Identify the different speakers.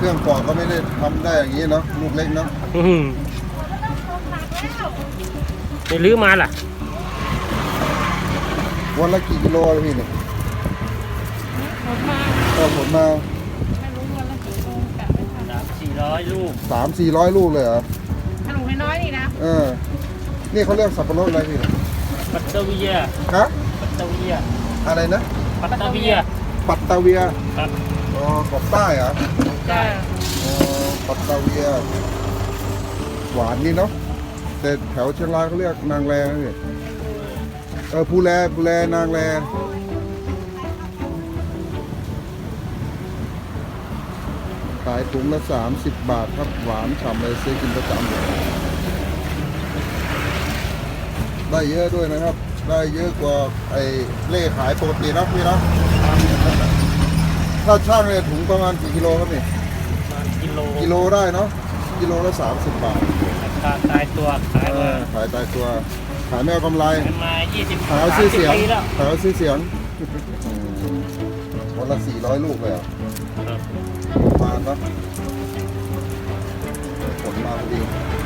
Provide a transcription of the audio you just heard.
Speaker 1: เครื่องปอกก็ไม่ได้ทำได้อย่างนี้เนาะลูกเล็กเนาะ
Speaker 2: ไม่ลื้อมาล่ะ
Speaker 1: วันละกี่กิโลเลยพี่เนี่ย
Speaker 3: ผมมา
Speaker 1: ก็ผลมา
Speaker 3: ไม่รู้วันละกี่โลกะไม่ทัน
Speaker 2: 300-400 ลูก
Speaker 1: 300-400 ลูกเลยเหรอ
Speaker 3: ขนมน้อยๆนี่นะ
Speaker 1: นี่เขาเรียกสับปะรดอะไรพี่เนี่ย
Speaker 2: ปัตเตอร์เวีย
Speaker 1: ฮะ
Speaker 2: ปัตเตอร์เวีย
Speaker 1: อะไรนะ
Speaker 2: ปัตเตอร์เวีย
Speaker 1: ปัตตาเวีย
Speaker 2: ครับ
Speaker 1: อ๋อกบใต้เหรอ
Speaker 3: จ้า
Speaker 1: อ๋อปัตตาเวีย หวานนี่เนาะแต่แถวเชียงรายเขาเรียกนางแรนะพี่ภูแลนางแรขายถุงละ30 บาทครับหวานฉ่ำเลยซื้อกินประจำได้เยอะด้วยนะครับ ได้เยอะกว่าไอ้เล่ขายปกตินะพี่เนาะถ้าช่างเนี่ยถุงประมาณกี่กิโลครับนี่
Speaker 2: กิโล
Speaker 1: ได้เนาะกิโลละ30 บาท
Speaker 2: ราคาตายตัวขายมา
Speaker 1: ขายตายตัวขายไม่เอากำไร
Speaker 2: มา20
Speaker 1: ขายเอาชื่อเสียง
Speaker 2: ปีแล้ว
Speaker 1: ขายเอาชื่อเสียงวันละ400 ลูกเลยอ่ะ
Speaker 2: ครับ
Speaker 1: ประมาณเนาะผลมาพอดี